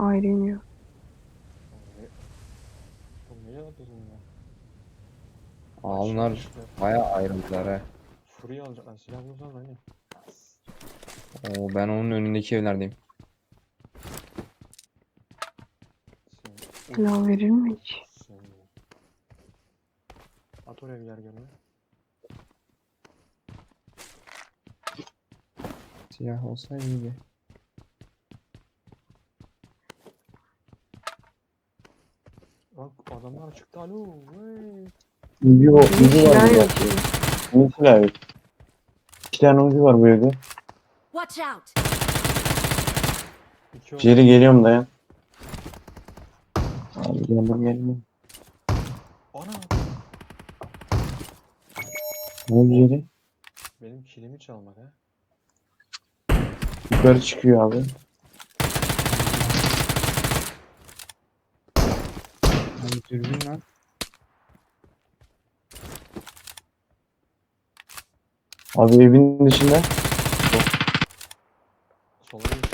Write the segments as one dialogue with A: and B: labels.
A: ayrı iniyor.
B: Oğlum ne yapıyorsun ya?
C: Aa,
B: Aşağı
C: bunlar
B: düştüler.
C: bayağı ayrıldılar he.
B: Furya alacaklar. Silah bulursan hani.
C: Oo, ben onun önündeki evlerdeyim.
A: Silah verir mi hiç?
B: At oraya bir yer görme.
C: Silah olsa iyiydi.
B: Bak adamlar çıktı alo. Vay.
D: Ucu var,
A: Hiç
D: ucu var
A: silah
D: burada.
A: yok ki.
D: Ne silahı yok? 2 tane ucu var bu evde.
E: Watch out!
B: İki oldu.
D: Jerry geliyorum dayan. Abi geldim.
B: Ana.
D: Ne oldu Jerry?
B: Benim kilimi çalmak ha.
D: Yukarı çıkıyor abi.
C: Abi dürbün lan.
D: Abi evin dışında.
B: Sola geç.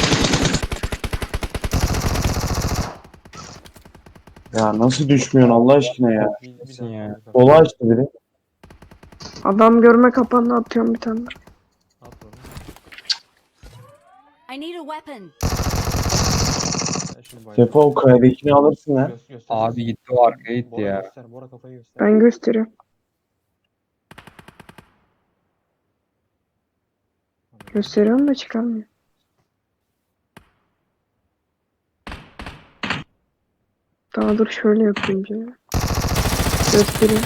D: Ya nasıl düşmüyorsun Allah aşkına ya.
B: Bir
C: Nasıl
B: daha
C: ya?
B: kaldı.
D: Sola açtı biri.
A: Adam görme kapandı, atıyorum bir tane.
B: At onu.
E: I need a weapon.
B: Ben şimdi bayıldım.
D: Sefa o kaydakini alırsın ha.
B: Göster.
C: Abi gitti o arkaya gitti
B: Bora
C: ya.
B: göster. Bora kafayı göster.
A: Ben gösteriyorum. Gösteriyorum da çıkarmıyor. Daha dur şöyle yapayım bir. Göstereyim.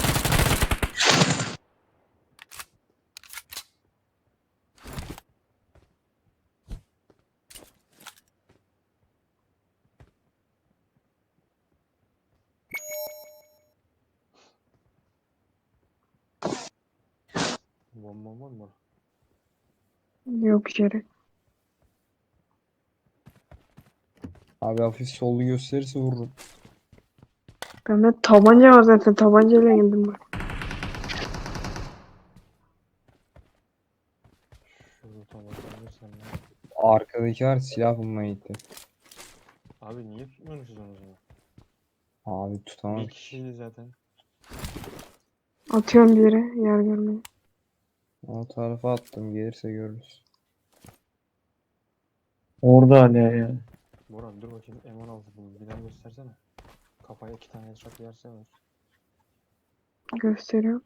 B: Bomba var mı?
A: Yok yere.
C: Abi hafif sollu gösterirse vururum.
A: Bende tabanca var zaten. Tabancayla geldim ben.
B: Şurada tam bakabilirsen ya.
C: Arkadaki var silah bulmaya gitti.
B: Abi niye tutmuyorsunuz onu o zaman?
C: Abi
B: Bir
C: tutamadık.
B: kişiydi zaten.
A: Atıyorum bir yere. Yer görmeyi.
C: O tarafa attım gelirse görürüz.
D: Orada hala ya.
B: Bora dur bakayım. M16 buldum. Bir daha göstersene. Kafaya 2 tane headshot yerse var.
A: Gösteriyorum.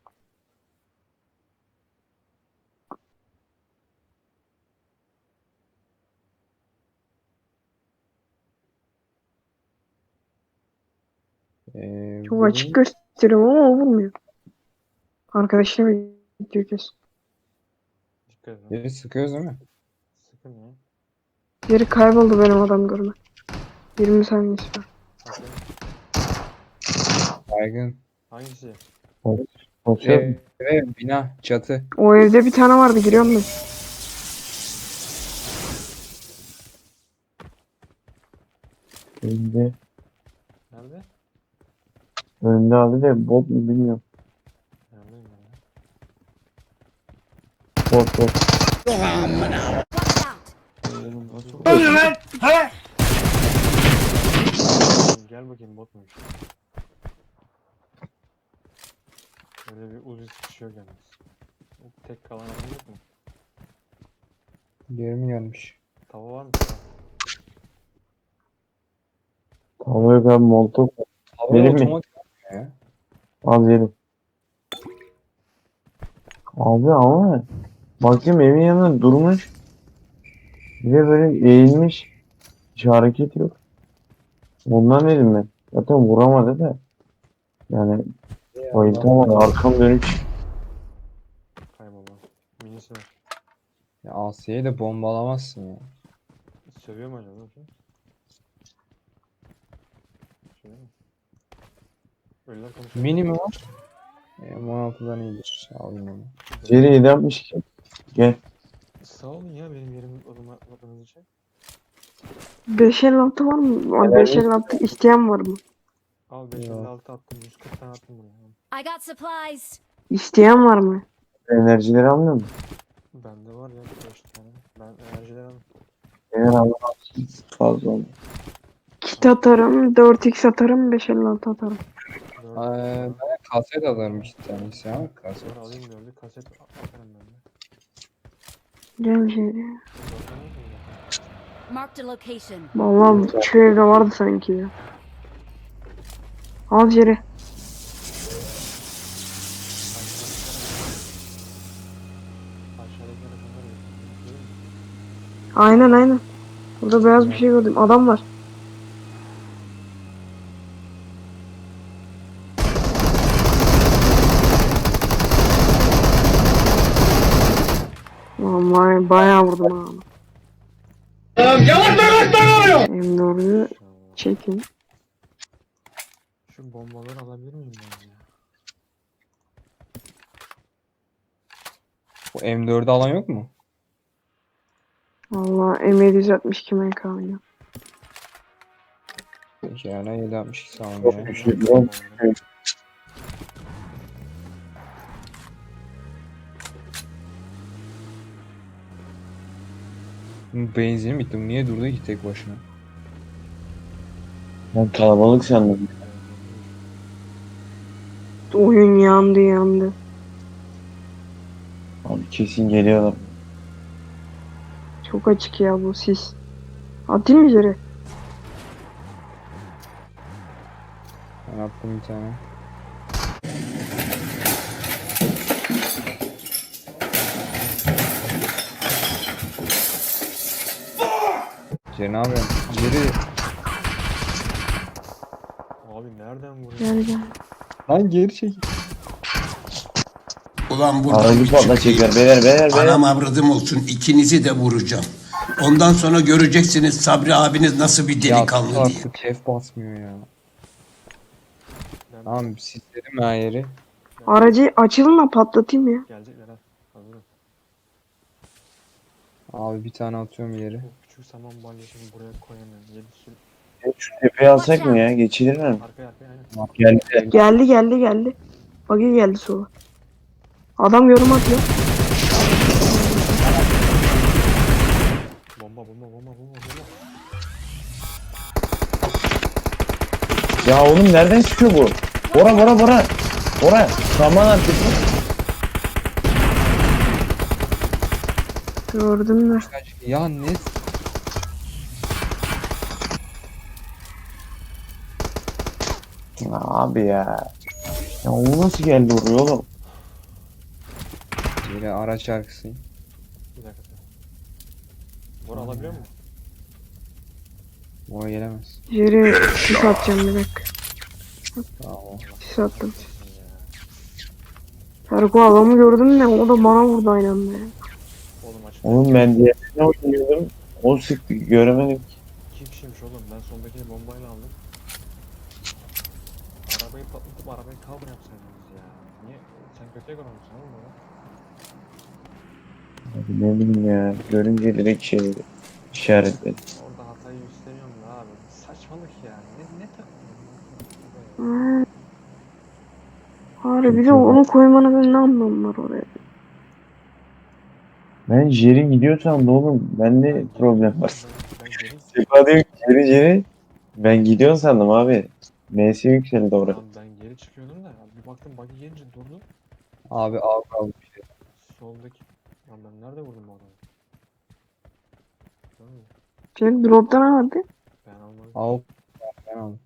A: Çok
C: Bu
A: açık gösteriyorum ama o vurmuyor. Arkadaşına bekliyor kesin.
B: Dikkat edin.
C: yeri sıkıyoruz değil mi?
B: Sıkın ya.
A: Yeri kayboldu benim adam görme. 20 saniyesi var.
B: Bakın.
C: Baygın.
B: Hangisi?
D: Basıyor.
C: Bina çatı.
A: O evde bir tane vardı, giriyorum ben.
D: Önünde.
B: Nerede?
D: Önünde abi de bot mu bilmiyorum.
B: Neredeyim ben ya?
D: Bot.
E: Watch out!
B: Gel bakayım bot muymuş? Öyle bir uzi sıkışıyor yalnız. Tek kalan adam yok mu?
C: Geri mi gelmiş?
B: Tava var mı? Tava.
D: Havaya kadar molotov.
C: Hava
D: Benim mi?
C: otomatik ya.
D: Al yerim. Abi ama bakayım evin yanında durmuş. Bir de böyle eğilmiş. Hiç hareket yok. Ondan dedim ben. Zaten vuramadı da. Yani bayıltamadı. Arkam dönük.
B: Kaybolma. Minisi var.
C: Ya Asya'yı da bombalamazsın ya.
B: Sövüyor mu acaba? Sövüyor mu? Ölüler konuşuyor.
C: Mini mi var? M16'dan iyidir. Alayım onu.
D: Jerry 762. Gel.
B: Sağ olun ya benim yerimi atmadığınız için.
A: 556 var mı? 556 isteyen var mı?
B: Al 556 attım. 140 tane attım buraya.
E: I got supplies.
A: İsteyen var mı?
D: Enerjileri almıyor musun?
B: Bende var ya 5 tane. Ben enerjiler aldım.
D: Eğer Allah fazla oldu.
A: Kit atarım, 4x atarım, 556 atarım.
B: Dört-
C: Ben kaset alırım iki tanesi ya. Kaset.
B: Sonra alayım dördü kaset atarım ben de.
A: Gel Jerry.
B: Dörtte ne yapayım?
E: Marked a location.
A: Vallahi şu evde vardı sanki ya. Al Jerry.
B: Aşağıdaki rakamları götürdüm.
A: Aynen aynen. Burada beyaz bir şey gördüm. Adam var. Vallahi bayağı vurdum ha. M4'ü çekin.
B: Şu bombaları alabilir miyim ben ya?
C: Bu M4'ü alan yok mu?
A: Vallahi M762 MK oynuyor.
C: Peki yani 762 sağlam
D: Çok
C: ya.
D: güçlü.
C: Bu benzinim bitti. Bu niye durdu ki tek başına?
D: Ben kalabalık sandım.
A: Oyun yandı yandı.
D: Abi kesin geliyorlar.
A: Çok açık ya bu sis. Atayım mı Jerry?
C: Ben attım bir tane. Ceri ne yapıyorsun? Ceri.
B: Abi nereden vuruyor?
A: Gel gel.
C: Lan geri çekil.
F: Ulan burada
D: Aracı
F: bir
D: patla
F: çıkayım.
D: çeker. Beyler.
F: Anam avradım olsun, ikinizi de vuracağım. Ondan sonra göreceksiniz Sabri abiniz nasıl bir
C: Ya
F: delikanlı
C: sus
F: diye.
C: artık F basmıyor ya.
B: Ben
C: Tamam sisledim her yeri.
A: Aracı açılın da patlatayım ya.
B: gelecekler ha. Hazırım.
C: Abi bir tane atıyorum ileri.
B: Bu küçük saman balyasını buraya koyamıyorum. 7 sürü.
D: Şu tepeyi alsak mı ya? Geçilir mi?
B: Arkaya aynen.
D: Geldi.
A: Geldi. Bagi geldi sola. Adam yorum atıyor.
B: Bomba.
D: Ya oğlum nereden çıkıyor bu? Bora. Bora. Saman arkası.
A: Gördüm de.
C: Ya ne?
D: Abi ya. Ya o nasıl geldi oraya oğlum?
C: Ceri araç şarkısıyım.
B: Bir dakika. Bora alabiliyor musun?
C: Oraya gelemez.
A: Jerry sis atacağım bir dakika.
C: Tamam.
A: Sis attım. Erko adamı gördüm de o da bana vurdu aynı anda ya.
B: Oğlum açık.
D: Oğlum ben diğerine oynuyordum. O sıktı göremedim.
B: 2 kişiymiş oğlum. Ben sondakini bombayla aldım. Arabayı patlatıp arabayı cover yapsaydınız ya. Niye? Sen kötüye görmüşsün oğlum bana.
D: Abi ne bileyim ya. Görünce direkt şey dedi. İşaretledi.
B: Orada hatayı istemiyorum da abi. Saçmalık ya. Ne takıyorsun?
A: Ha. Harbi bir de onu koymanın ne anlamı var oraya?
D: Ben Jerry gidiyorsam da oğlum bende problem var.
B: Ben geri
D: Sefa diyor ki Jerry. Ben gidiyorum sandım abi. MS yükseldi oraya.
B: Tamam, ben geri çıkıyordum da bir baktım buggy gelince durdu.
C: Abi kaldı bir şey.
B: Soldaki. Lan ben nerede vurdum bu adamı? Değil mi?
A: Jerry drop'tan aldı.
B: Ben almadım.
C: Al. Ben aldım.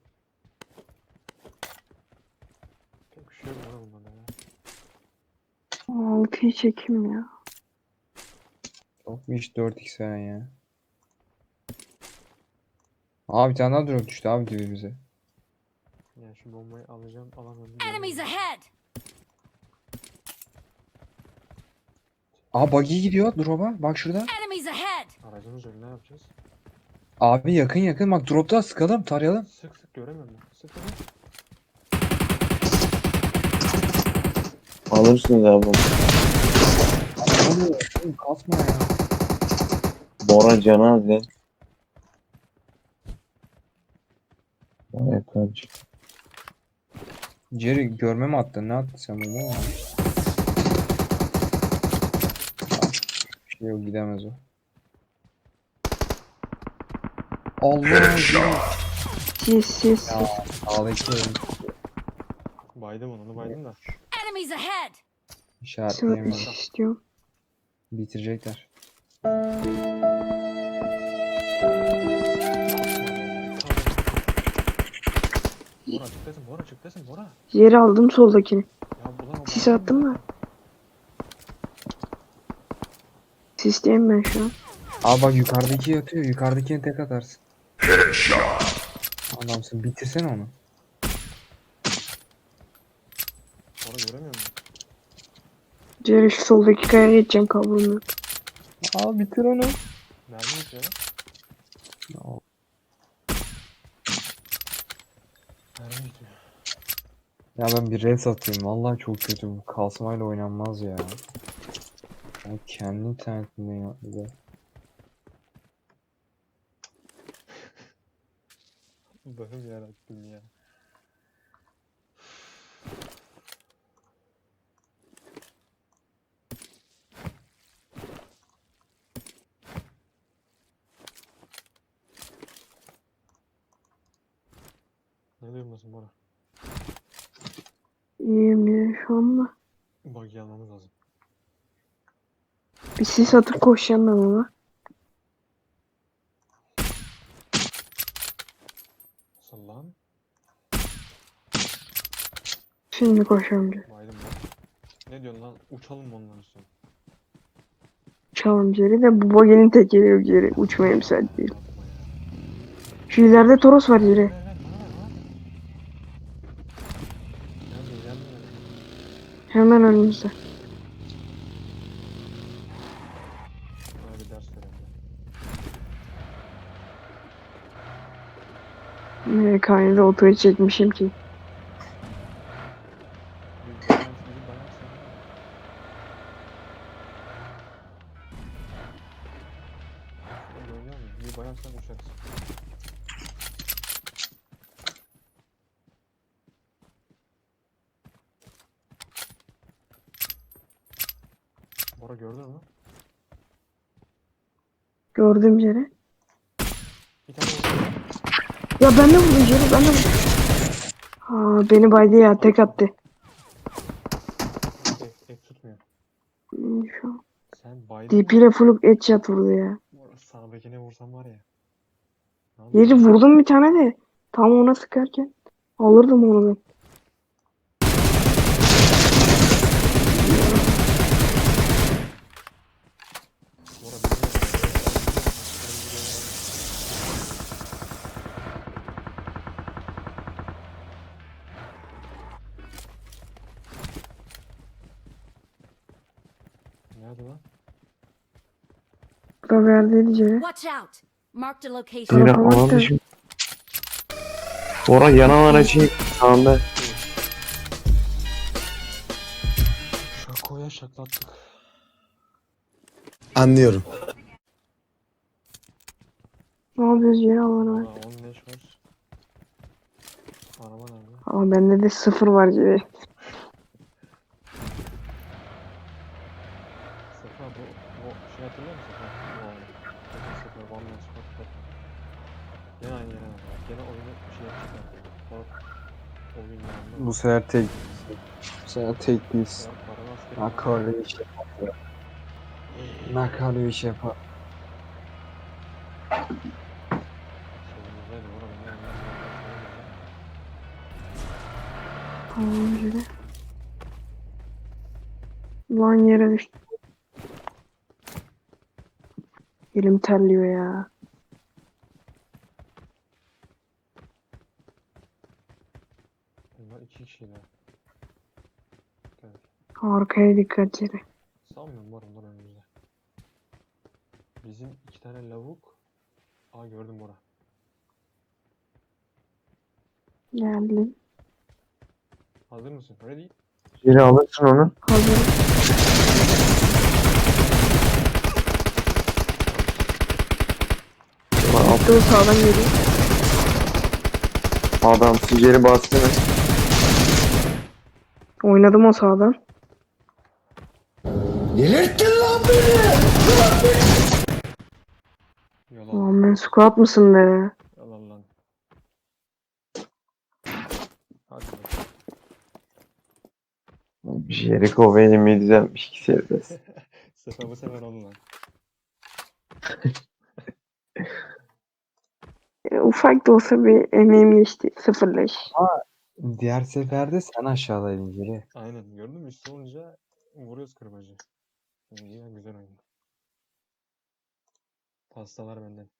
B: Pek bir şey yok bana bundan ya.
A: 6'yı çekeyim ya.
C: Yok mu hiç 4x veren ya. Abi bir tane daha drop düştü abi dibimize.
B: Yani şu bombayı alacağım alamadım.
E: Enemies ahead!
C: Aa buggy gidiyor drop'a. Bak şurada.
E: Enemies ahead!
B: Aracımız yok ne yapacağız?
C: Abi yakın bak drop'ta sıkalım tarayalım.
B: Sık göremiyorum ben. Sık.
D: Alırsınız abi.
C: Oğlum kasma ya.
D: Bora canı az lan. Vay kaç.
C: Jerry görme mi attın? Ne attın sen bunu? Bir şey yok gidemez o. Allah Jerry.
A: Sis.
C: Sağdaki evin
B: Baydım onu baydım da.
E: Enemies ahead!
C: işaretleyemiyorum.
A: Sis istiyorum.
C: Bitirecekler.
B: Bora çıktasın Bora çıktasın Bora.
A: Yeri aldım soldakini.
B: Ya ulan o
A: Sis
B: baygın
A: attım
B: ya.
A: da. Sisteyim ben şu an.
C: Aa bak yukarıdaki yatıyor. Yukarıdakini tek atarsın. Adamsın. Bitirsene onu.
B: Bora göremiyor musun?
A: Diğer şu soldaki kayaya geçeceğim, kabloum yok.
C: Aa bitir onu.
B: Mermi bitiyor lan. Mermi bitiyor.
C: Ya ben bir res atayım. Vallahi çok kötü bu. Kasmayla oynanmaz ya. Ya kendi internetimden yaptı.
B: Allah'ım yarabbim ya. Ne durumdasın Bora?
A: İyiyim ya şu anda.
B: Bug'i almamız lazım.
A: Bir sis atıp koşacağım ben ona.
B: Nasıl lan?
A: Şimdi koşacağım diyor.
B: Baydım Bora. Ne diyorsun lan? Uçalım mı onların üstüne?
A: Çalım geri de bu bagenin tekeri yok geri. Uçmaya müsait değil.
B: Yapma ya.
A: Şu ileride Toros var yeri.
B: Ver bana ver lan. Gelme.
A: Hemen önümüzde.
B: Bana bir ders verelim.
A: MK'da otoyu çekmişim ki.
B: Bir dayansın. Şurada oynuyor muyum? Bir bayansan uçarız. Bora gördün mü?
A: Gördüğüm yeri.
B: Bir tane vurdu.
A: Ya ben de vurdum yeri, ben de vurdum. Aa, beni baydı ya, tek attı.
B: Ek tutmuyor.
A: Şu an.
B: Sen baydın
A: DP ile full headshot vurdu ya.
B: Bora sağdakine vursam var ya. Ne
A: Yeri
B: yapayım?
A: vurdum bir tane de. Tam ona sıkarken alırdım onu ben.
B: Bora bir nerede lan?
A: Burada verdiydi yere.
E: Watch out! Marked a location.
D: Yine
A: Tarafa
D: alan
A: bak da.
D: dışı. Bora yanan aracı sağında.
B: Şakoya şaklattık.
G: Anlıyorum.
A: Ne yapıyoruz yere alana
B: Valla
A: bak.
B: 10 leş var. Araba nerede?
A: Aa, bende de 0 var yere.
B: Sefa bu şey hatırlıyor musun Sefa? Bu oyunu. Sefa One Man Squad Sefa. Gene aynı yere bak. Gene oyunu şey yapacaklar. Bak. Oyun yanında.
C: Bu sefer tek. Bu sefer tek değilsin.
B: Ya para askeri.
C: Nakarlı iş yapar. Nakarlı iş yapar.
B: Solumuzdaydı oğlum. Ne anlamda?
A: Tamam yere. Lan yere düştü. Elim terliyor ya.
B: Bunlar 2 kişiler. Evet.
A: Arkaya dikkat yere.
B: Sanmıyorum var onlar önümüzde. Bizim 2 tane lavuk. Aa gördüm Bora.
A: Geldim.
B: Hazır mısın? Ready?
D: Geri alırsın onu.
A: Hazır. Attığı sağdan geliyor.
D: Adam geri bastı.
A: Oynadım o sağdan.
G: Delirttin lan beni!
B: Yalan.
A: Aman ben squat mısın be?
B: Yalan lan.
D: Jericho benim 762 seviyesi.
B: Sefer bu sefer oldu lan.
A: Ufak da olsa bir emeğim geçti. 0-5.
C: Diğer seferde sen aşağıdaydın Ceri.
B: Aynen gördün mü? Üstü olunca vuruyoruz kırbacı. İyi ya güzel oyun. Pastalar benden.